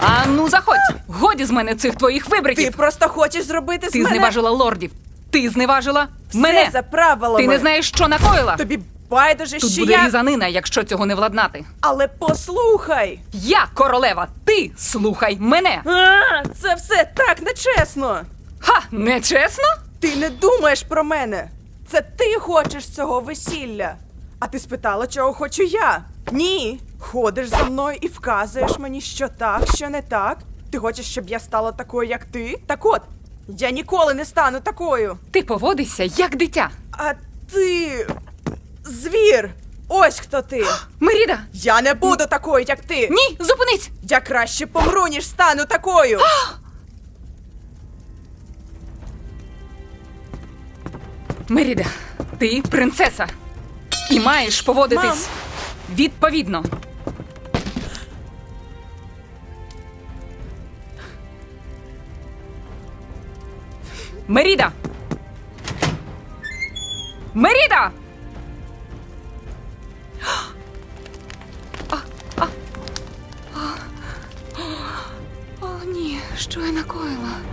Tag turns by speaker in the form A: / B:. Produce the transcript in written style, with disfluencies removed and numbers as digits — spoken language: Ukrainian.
A: А ну заходь! Годі з мене цих твоїх вибриків!
B: Ти просто хочеш зробити з
A: Ти
B: мене...
A: зневажила лордів! Ти зневажила
B: Все
A: мене!
B: за правилами.
A: Ти не знаєш, що накоїла!
B: Тобі байдуже,
A: Тут
B: що
A: буде
B: я...
A: різанина, якщо цього не владнати.
B: Але послухай!
A: Я королева! Ти слухай мене!
B: Це все так нечесно!
A: Ха! Нечесно?
B: Ти не думаєш про мене! Це ти хочеш цього весілля! А ти спитала, чого хочу я? Ні! Ходиш за мною і вказуєш мені, що так, що не так. Ти хочеш, щоб я стала такою, як ти? Так от, я ніколи не стану такою!
A: Ти поводишся як дитя.
B: А ти... звір! Ось хто ти!
A: Меріда!
B: Я не буду такою, як ти!
A: Ні, зупинись!
B: Я краще помру, ніж стану такою!
A: Меріда, ти принцеса. І маєш поводитись відповідно. Меріда! Меріда! О, ні, що я накоїла?